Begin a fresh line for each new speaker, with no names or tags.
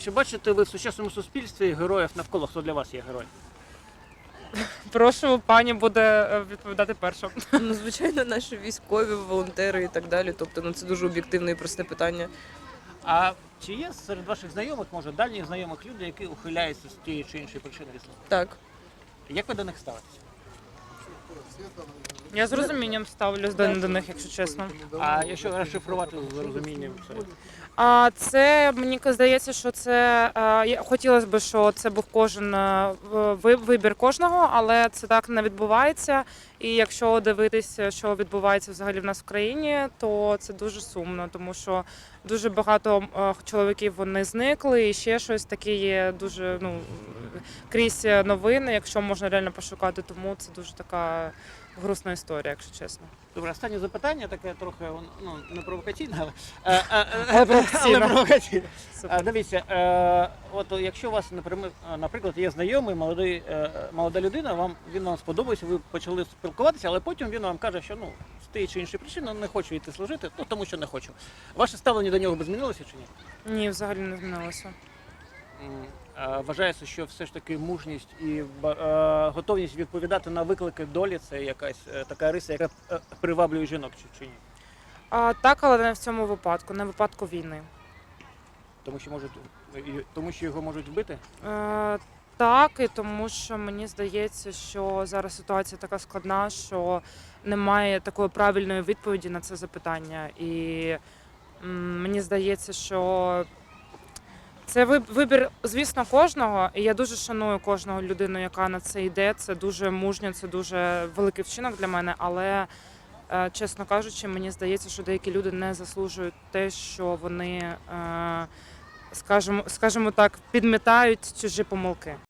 чи бачите ви в сучасному суспільстві героїв навколо? Хто для вас є герой?
Прошу, пані буде відповідати перша.
Ну, звичайно, наші військові, волонтери і так далі. Тобто, це дуже об'єктивне і просте питання.
А чи є серед ваших знайомих, може, дальніх знайомих людей, які ухиляються з тієї чи іншої причини від служби?
Так.
Як ви до них ставитеся?
Я з розумінням ставлюсь до них, якщо чесно.
А якщо розшифрувати з розумінням, це
А це мені здається, що це хотілося б, що це був кожен вибір кожного, але це так не відбувається. І якщо дивитися, що відбувається взагалі в нас в країні, то це дуже сумно, тому що дуже багато чоловіків вони зникли, і ще щось таке є дуже крізь новини, якщо можна реально пошукати, тому це дуже така грустна історія, якщо чесно.
добре. Останнє запитання, таке трохи не провокаційне,
Але провокаційне.
але провокаційне.
Супер.
Дивіться, от якщо у вас, наприклад, є знайомий, молода людина, він вам сподобався, ви почали спілкуватися, але потім він вам каже, що з тієї чи іншої причини не хочу йти служити, тому що не хочу. Ваше ставлення до нього би змінилося чи ні?
Ні, взагалі не змінилося.
Вважається, що все ж таки мужність і готовність відповідати на виклики долі – це якась така риса, яка приваблює жінок чи ні?
Так, але не в цьому випадку, не в випадку війни.
Тому що його можуть вбити?
Так, і тому що мені здається, що зараз ситуація така складна, що немає такої правильної відповіді на це запитання. І мені здається, що це вибір, звісно, кожного. І я дуже шаную кожного людину, яка на це йде. Це дуже мужньо, це дуже великий вчинок для мене, але, чесно кажучи, мені здається, що деякі люди не заслужують те, що вони, скажімо так, підмітають чужі помилки.